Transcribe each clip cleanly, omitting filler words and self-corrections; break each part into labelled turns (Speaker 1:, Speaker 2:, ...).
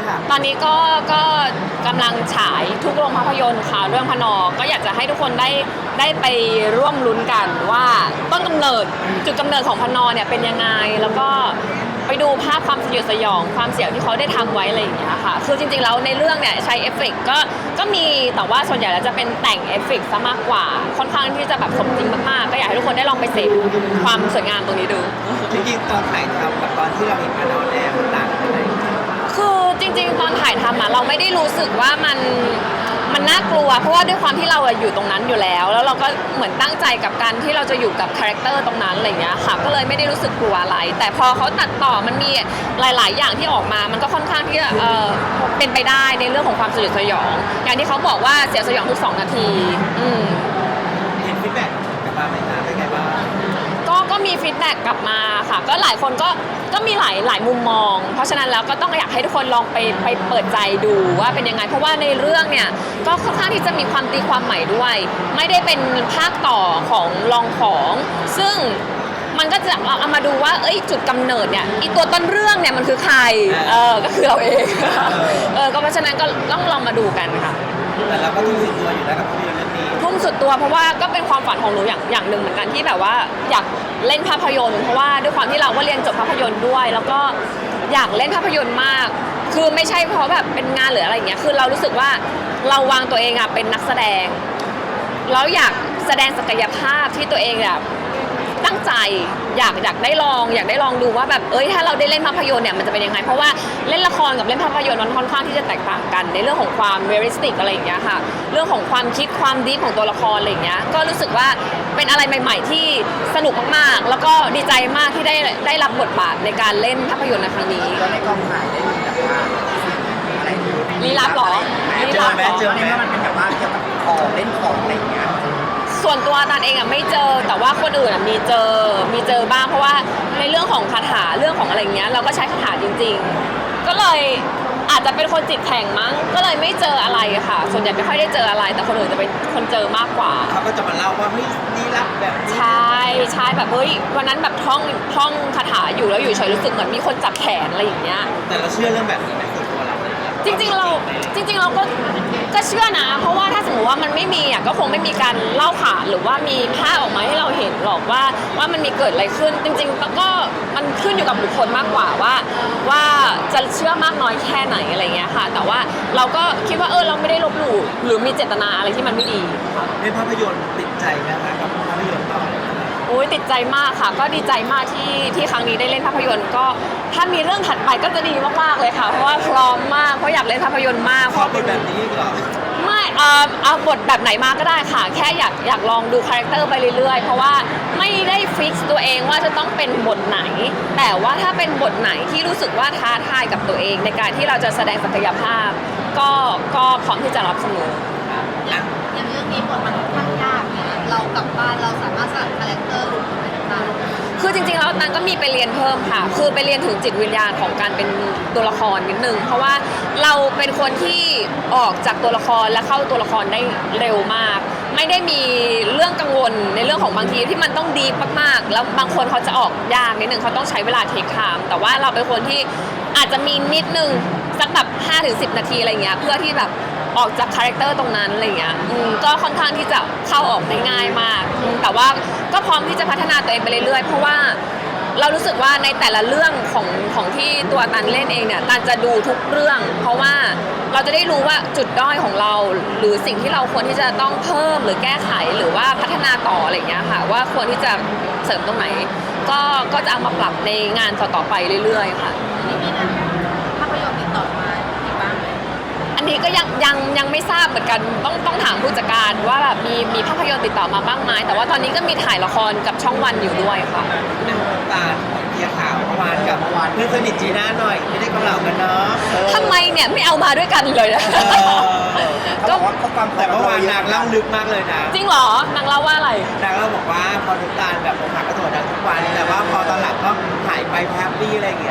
Speaker 1: ค่ะ
Speaker 2: ตอนนี้ก็กำลังฉายทุกโรงภาพยนตร์ค่ะเรื่องพนอก็อยากจะให้ทุกคนได้ไปร่วมลุ้นกันว่าต้นกำเนิดจุดกำเนิดของพนอเนี่ยเป็นยังไงแล้วก็ไปดูภาพความสยดสยองความเสียวที่เขาได้ทำไว้อะไรอย่างเงี้ยค่ะคือจริงๆแล้วในเรื่องเนี่ยใช้เอฟเฟกต์ก็มีแต่ว่าส่วนใหญ่แล้วจะเป็นแต่งเอฟเฟกต์ซะมากกว่าค่อนข้างที่จะแบบสมจริงมากๆก็อยากให้ทุกคนได้ลองไปเสพความสวยงามตรงนี้ดู
Speaker 1: จริงๆตอนถ่ายทำกับตอนที่เราเห็นพนอเนี่ยมันต่างกันไหม
Speaker 2: คือจริงๆตอนถ่ายทำเราไม่ได้รู้สึกว่ามันน่ากลัวเพราะว่าด้วยความที่เราอยู่ตรงนั้นอยู่แล้วเราก็เหมือนตั้งใจกับการที่เราจะอยู่กับคาแรคเตอร์ตรงนั้นอะไรอย่างเงี้ยค่ะก็เลยไม่ได้รู้สึกกลัวอะไรแต่พอเขาตัดต่อมันมีหลายๆอย่างที่ออกมามันก็ค่อนข้างที่จะเป็นไปได้ในเรื่องของความสยดสยองอย่างที่เขาบอกว่าเสียวสยองทุก2 นาที
Speaker 1: เห็นฟีดแบ็กกลับมาไหมคะเป็นไงบ้าง
Speaker 2: ก็มีฟีดแบ็กกลับมาค่ะก็หลายคนก็มีหลายมุมมองเพราะฉะนั้นแล้วก็ต้องอยากให้ทุกคนลองไปเปิดใจดูว่าเป็นยังไงเพราะว่าในเรื่องเนี่ยก็ค่อนข้างที่จะมีความตีความใหม่ด้วยไม่ได้เป็นภาคต่อของลองของซึ่งมันก็จะเอามาดูว่าจุดกำเนิดเนี่ยอีตัวต้นเรื่องเนี่ยมันคือใครก็คือเราเองก็เพราะฉะนั้นก็ต้องลองมาดูกันค่ะ
Speaker 1: แต่เราก็ทุ่มสุดตัวอยู่แล้วกับภาพยนตร์เรื่องนี้
Speaker 2: ทุ่มสุดตัวเพราะว่าก็เป็นความฝันของหนูอย่างหนึ่งเหมือนกันที่แบบว่าอยากเล่นภาพยนตร์เพราะว่าด้วยความที่เราก็เรียนจบภาพยนตร์ด้วยแล้วก็อยากเล่นภาพยนตร์มากคือไม่ใช่เพราะแบบเป็นงานหรืออะไรอย่างเงี้ยคือเรารู้สึกว่าเราวางตัวเองเป็นนักแสดงแล้วอยากแสดงศักยภาพที่ตัวเองแบบตั้งใจอยากได้ลองดูว่าแบบถ้าเราได้เล่นภาพยนตร์เนี่ยมันจะเป็นยังไงเพราะว่าเล่นละครกับเล่นภาพยนตร์มันค่อนข้างที่จะแตกต่างกันในเรื่องของความเรียลลิสติกอะไรอย่างเงี้ยค่ะเรื่องของความคิดความดีฟของตัวละครอะไรอย่างเงี้ยก็รู้สึกว่าเป็นอะไรใหม่ๆที่สนุกมากๆแล้วก็ดีใจมากที่ได้รับบทบาทในการเล่นภาพยนตร์ในครั้งนี้
Speaker 3: แล้วในกองถ่ายได้มีแบบว่าอะไร
Speaker 2: ลี้ลับหรอ
Speaker 1: เจอไหม
Speaker 3: มันเป็นแบบว่าเกี่ยวกับของเล่นของอะไรอย่างเงี้ย
Speaker 2: ส่วนตัวตันเองไม่เจอแต่ว่าคนอื่นมีเจอบ้างเพราะว่าในเรื่องของคาถาเรื่องของอะไรเงี้ยเราก็ใช้คาถาจริงๆก็เลยอาจจะเป็นคนจิตแข็งมั้งก็เลยไม่เจออะไรค่ะส่วนใหญ่ไม่ค่อยได้เจออะไรแต่คนอื่นจะเป็นคนเจอมากกว่า
Speaker 1: เขาก็จะมาเล่าว่านี่รับแบบ
Speaker 2: ใช่แบบวันนั้นแบบท่องคาถาอยู่แล้วอยู่เฉยรู้สึกเหมือนมีคนจับแขนอะไรอย่างเงี้ย
Speaker 1: แต่เราเชื่อเรื่องแบบนี้ไหมส่วนตัวเรา
Speaker 2: จริงๆเราก็เชื่อนะเพราะว่าถ้าสมมติว่ามันไม่มีก็คงไม่มีการเล่าขานหรือว่ามีภาพออกมาให้เราเห็นหรอกว่ามันมีเกิดอะไรขึ้นจริงๆก็มันขึ้นอยู่กับบุคคลมากกว่าว่าจะเชื่อมากน้อยแค่ไหนอะไรเงี้ยค่ะแต่ว่าเราก็คิดว่าเราไม่ได้ลบหลู่หรือมีเจตนาอะไรที่มันไม่ดีค่ะ
Speaker 1: ในภาพยนตร์ติดใจไหมคะกับภาพยนตร์ต่อ
Speaker 2: ติดใจมากค่ะก็ดีใจมากที่ครั้งนี้ได้เล่นภาพยนตร์ก็ถ้ามีเรื่องถัดไปก็จะดีมากๆเลยค่ะเพราะว่าพร้อมมากเพราะอยากเล่นภาพยนตร์มาก
Speaker 1: เพราะเป็นแบบนี้เหรอ
Speaker 2: ไม่เอาบทแบบไหนมาก็ได้ค่ะแค่อยากลองดูคาแรคเตอร์ไปเรื่อยๆเพราะว่าไม่ได้ฟิกซ์ตัวเองว่าจะต้องเป็นบทไหนแต่ว่าถ้าเป็นบทไหนที่รู้สึกว่าท้าทายกับตัวเองในการที่เราจะแสดงศักยภาพก็พร้อมที่จะรับเสมอ
Speaker 4: อย่างเรื่องนี้บทมันค่อนข้างยากเนี่ยเรากลับบ้านเราสามารถสลับคาแรคเตอร์หรืออะไรต่างๆ
Speaker 2: คือจริงๆแล้วนั้นก็มีไปเรียนเพิ่มค่ะคือไปเรียนถึงจิตวิญญาณของการเป็นตัวละครนิดนึงเพราะว่าเราเป็นคนที่ออกจากตัวละครและเข้าตัวละครได้เร็วมากไม่ได้มีเรื่องกังวลในเรื่องของบางทีที่มันต้องดีมากๆแล้วบางคนเขาจะออกยากนิดนึงเขาต้องใช้เวลาเทคไทม์แต่ว่าเราเป็นคนที่อาจจะมีนิดนึงสักแบบ 5-10 นาทีอะไรเงี้ยเพื่อที่แบบออกจากคาแรคเตอร์ตรงนั้นอะไรเงี้ยก็ค่อนข้างที่จะเข้าออกได้ง่ายมากแต่ว่าก็พร้อมที่จะพัฒนาตัวเองไปเรื่อยๆเพราะว่าเรารู้สึกว่าในแต่ละเรื่องของที่ตัวตันเล่นเองเนี่ยตันจะดูทุกเรื่องเพราะว่าเราจะได้รู้ว่าจุดด้อยของเราหรือสิ่งที่เราควรที่จะต้องเพิ่มหรือแก้ไขหรือว่าพัฒนาต่ออะไรเงี้ยค่ะว่าควรที่จะเสริมตรงไหนก็จะเอามาปรับในงานต่อๆไปเรื่อยๆค่ะ
Speaker 4: ภาพยนตร์ติดต่อมาอีกบ้างไหม
Speaker 2: อันนี้ก็ยังไม่ทราบเหมือนกันต้องถามผู้จัดการว่าแบบมีภาพยนตร์ติดต่อมาบ้างไหมแต่ว่าตอนนี้ก็มีถ่ายละครกับช่องวันอยู่ด้วยค่ะ
Speaker 1: ตาเทียข่าวเมื่อวานกับเพื่อนสนิทจีน่าหน่อยไม่ได้กำเหล่ากันเนาะ
Speaker 2: ทำไมเนี่ยไม่เอามาด้วยกันเลย
Speaker 3: ก็ความ
Speaker 1: แต่เมื่อวานนางเล่าลึกมากเลยนะ
Speaker 2: จริงเหรอนางเล่าว่าอะไร
Speaker 1: นางเล่าบอกว่าพอทุกตาแบบอกหักก็โทรดังทุกวันแต่ว่าพอตอนหลังก็หายไปแฮปปี้อะไรอย่างเงี้ย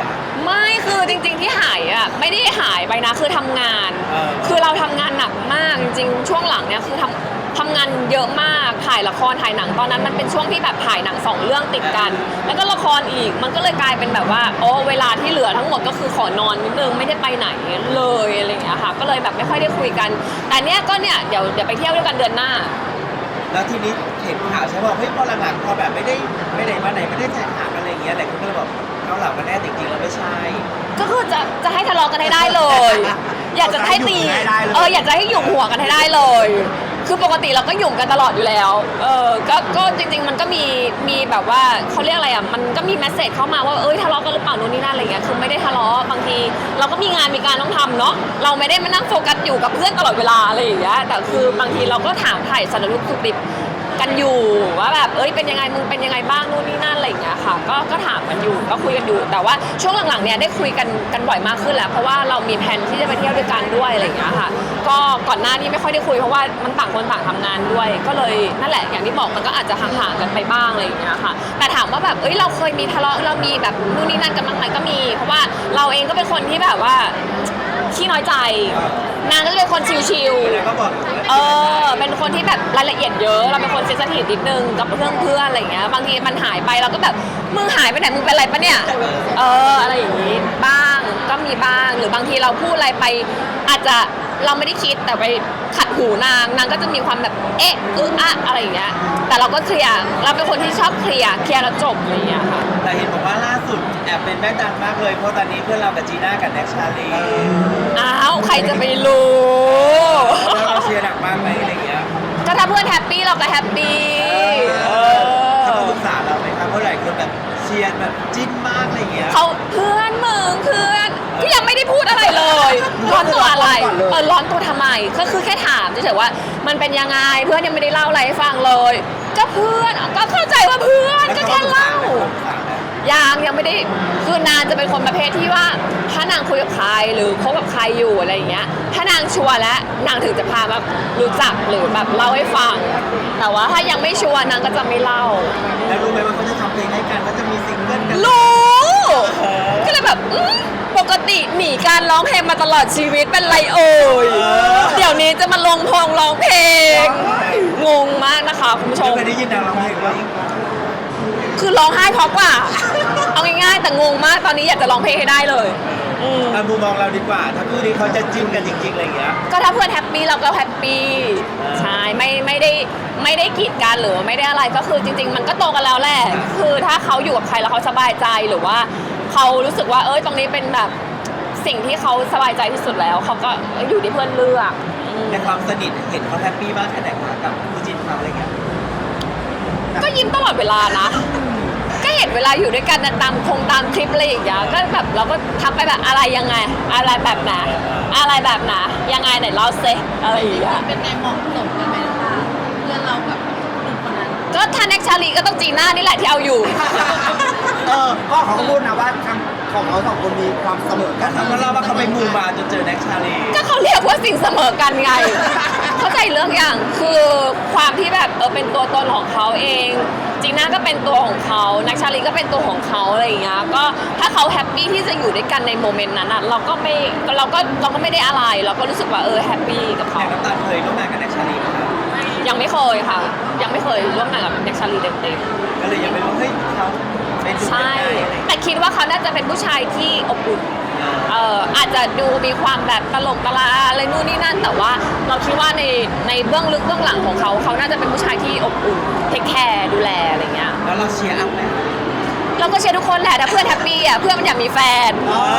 Speaker 2: ไม่คือจริงๆที่หายอ่ะไม่ได้หายไปนะคือทำงาน คือเราทำงานหนักมากจริงๆช่วงหลังเนี่ยคือทำงานเยอะมากถ่ายละครถ่ายหนังตอนนั้นมันเป็นช่วงที่แบบถ่ายหนัง2 เรื่องติดกัน แล้วก็ละครอีกมันก็เลยกลายเป็นแบบว่าโอ้เวลาที่เหลือทั้งหมดก็คือขอนอนนิดนึงไม่ได้ไปไหนเลยอะไรอย่างเงี้ยค่ะก็เลยแบบไม่ค่อยได้คุยกัน แต่เนี้ยก็เนี่ยเดี๋ยวไปเที่ยวด้วยกันเดือนหน้า
Speaker 1: แล้วทีนี้เห็นข่าวใช่ป่ะเฮ้ยพอหลังๆพอแบบไม่ได้มาไหนไม่ได้ถ่ายหนังอะไรอย่างเงี้ยหลายคนก็เลยบอกเกาเหลากันแน่จริงๆแล้วไม่ใช่
Speaker 2: ก็คือจะให้ทะเลาะกันให้ได้เลย อยากจะให้ตีอยากจะให้หยุ่มหัวกันให้ได้เลย คือปกติเราก็หยุ่มกันตลอดอยู่แล้วก็จริงๆมันก็มีแบบว่าเขาเรียกอะไรอ่ะมันก็มีแมสเซจเข้ามาว่าทะเลาะกันหรือเปล่านู่นนี่นั่นอะไรเงี้ยคือไม่ได้ทะเลาะบางทีเราก็มีงานมีการต้องทำเนาะเราไม่ได้มานั่งโฟกัสอยู่กับเพื่อนตลอดเวลาอะไรอย่างเงี้ยแต่คือบางทีเราก็ถามถ่ายสารทุกข์สุขดิบกันอยู่ว่าแบบเป็นยังไงมึงเป็นยังไงบ้างนู่นนี่นั่นอะไรอย่างเงี้ยค่ะก็ถามกันอยู่ก็คุยกันอยู่แต่ว่าช่วงหลังๆเนี่ยได้คุยกันบ่อยมากขึ้นแล้วเพราะว่าเรามีแผนที่จะไปเที่ยวด้วยกันด้วยอะไรอย่างเงี้ยค่ะก็ก่อนหน้านี้ไม่ค่อยได้คุยเพราะว่ามันต่างคนต่างทำงานด้วยก็เลยนั่นแหละอย่างที่บอกมันก็อาจจะห่างๆกันไปบ้างอะไรอย่างเงี้ยค่ะแต่ถามว่าแบบเราเคยมีทะเลาะเรามีแบบนู่นนี่นั่นกันบ้างไหมก็มีเพราะว่าเราเองก็เป็นคนที่แบบว่าขี้น้อยใจนางก็เป็นคนชิลๆ
Speaker 1: แล้วก็บอก
Speaker 2: เป็นคนที่แบบรายละเอียดเยอะเราเป็นคนเซนซิทีฟนิดนึงกับเพื่อนอะไรอย่างเงี้ยบางทีมันหายไปเราก็แบบมึงหายไปไหนมึงเป็นอะไรปะเนี่ยอะไรอย่างงี้บ้างก็มีบ้างหรือบางทีเราพูดอะไรไปอาจจะเราไม่ได้คิดแต่ไปขัดหูนางก็จะมีความแบบอะไรอย่างเงี้ยแต่เราก็เคลียร์เราเป็นคนที่ชอบเคลียร์แล้วจบอะไรอย่างเงี้ยค่ะ
Speaker 1: แต่เห็นบอกว่าล่าสุดแอบเป็นแม่ดังมากเลยเพราะตอนนี้เพื่อนเรากับจีน่ากับแน็กชาลี
Speaker 2: อ้าวใครจะไปรู้
Speaker 1: แล้วเราเชียร์หนักมากไหมอะไรเงี้ย
Speaker 2: ก็ถ้าเพื่อนแฮปปี้เราก็แฮปปี้
Speaker 1: เขาปรึกษาเราไหมครับเพราะหลายคนแบบเชียร์แบบจิ้นมากอะไรเงี้ย
Speaker 2: เขาเพื่อนมึงเพื่อนก็ยังไม่ได้พูดอะไรเลย ร้อนตัวอะไรร้อนตัวทำไมก็คือแค่ถามเฉยๆว่ามันเป็นยังไงเพื่อนยังไม่ได้เล่าอะไรให้ฟังเลย ก็เพื่อนก็เข้าใจว่าเพื่อนก็แค่เล่ายังไม่ได้คือนางจะเป็นคนประเภทที่ว่าถ้านางคุยกับใครหรือคบกับใครอยู่อะไรอย่างเงี้ยถ้านางชัวร์แล้วนางถึงจะพาแบบรู้จักหรือแบบเล่าให้ฟังแต่ว่าถ้ายังไม่ชัวร์นางก็จะไม่เล่า
Speaker 1: แล้วรู้ไหมว่าเขาจะทำเพลงให้กันเขาจะมีซิงเกิลกัน
Speaker 2: รู้ก็เลยแบบปกติหนีการร้องเพลงมาตลอดชีวิตเป็นไรเอ่ยเดี๋ยวนี้จะมาลงพงร้องเพลงงงมากนะคะคุณผู้ชม
Speaker 1: เคยได้ยินนางร้องเพลงไหม
Speaker 2: คือร้องไห้เพราะกว่าเอาง่ายๆแต่งงมากตอนนี้อยากจะร้องเพลงให้ได้เลย
Speaker 1: มุมมองเราดีกว่าถ้าคู่นี้เขาจะจิ้นกันจริงๆอะไรเงี้ย
Speaker 2: ก็ถ้าเพื่อนแฮปปี้เราก็แฮปปี้ใช่ไม่ได้กีดกันหรือไม่ได้อะไรก็คือจริงๆมันก็โตกันแล้วแหละคือถ้าเขาอยู่กับใครแล้วเขาสบายใจหรือว่าเขารู้สึกว่าตรงนี้เป็นแบบสิ่งที่เขาสบายใจที่สุดแล้วเขาก็อยู่ที่เพื่อนเลือก
Speaker 1: ในความสนิทเห็นเขาแฮปปี้มากแค่ไหนคะกับคู่จิ้นเขาอะไรเงี้ย
Speaker 2: ก็ยิ้มตลอดเวลานะก็เห็นเวลาอยู่ด้วยกันตามคลิปอะไรอย่างเงี้ยก็แบบเราก็ทักไปแบบอะไรยังไงอะไรแบบไหนอะไรแบบไหนยังไงไหนเล่าเซอะไรอย่างเงี้ย
Speaker 4: เป็นไงเหมาะสมกันไหมคะเพื่อนเรากับหนุ่มคนนั้น
Speaker 2: ก็ถ้าแน็กชาลีก็ต้องจีน่านี่แหละที่เอาอยู่
Speaker 3: ก็เขาพูดนะว่าทางของเราสองคนมีความเสมอกัน
Speaker 1: เขาเล่าว่าเขาไปมูมาจนเจอแน็กชาลี
Speaker 2: ก็เขาเรียกว่าสิ่งเสมอกันไง เข้าใจเรื่องอย่างคือความที่แบบเป็นตัวตนของเขาเองจีน่าก็เป็นตัวของเขาแน็กชาลีก็เป็นตัวของเขาอะไรอย่างเงี้ยก็ถ้าเขาแฮปปี้ที่จะอยู่ด้วยกันในโมเมนต์นั้นเราก็ไม่ได้อะไรเราก็รู้สึกว่าแฮปปี้กับเขา
Speaker 1: แต่น้ำตาลเคยร่วมงานกับแน็กชาลีไหมครับ
Speaker 2: ยังไม่เคยค่ะยังไม่เคยร่วมงานกับแน็กชาลีเต็ม
Speaker 1: ๆก็เลยยังไม่รู้เฮ้ยเขา
Speaker 2: ใช่แต่คิดว่าเขาน่าจะเป็นผู้ชายที่อบอุ่นอาจจะดูมีความแบบตลกตลาอะไรนู่นนี่นั่นแต่ว่าเราคิดว่าในเบื้องลึกเบื้องหลังของเขาน่าจะเป็นผู้ชายที่อบอุ่นเทคแคร์ดูแลอะไรเงี้ย
Speaker 1: แล้วเราเชียร์อัพไหม
Speaker 2: เราก็เชียร์ทุกคนแหละถ้าเพื่อนแฮปปี้เพื่อนมันอยากมีแฟน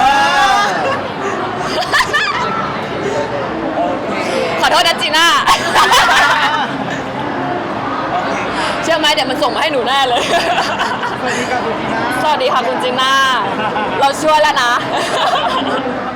Speaker 2: ขอโทษนะจีน่าเชื่อไหมเดี๋ยวมันส่งมาให้หนูแน่เลย
Speaker 3: สวัสดีค่ะคุณจีน่า
Speaker 2: สวัสดีค่ะคุณจีน่าเราช่วยแล้วนะ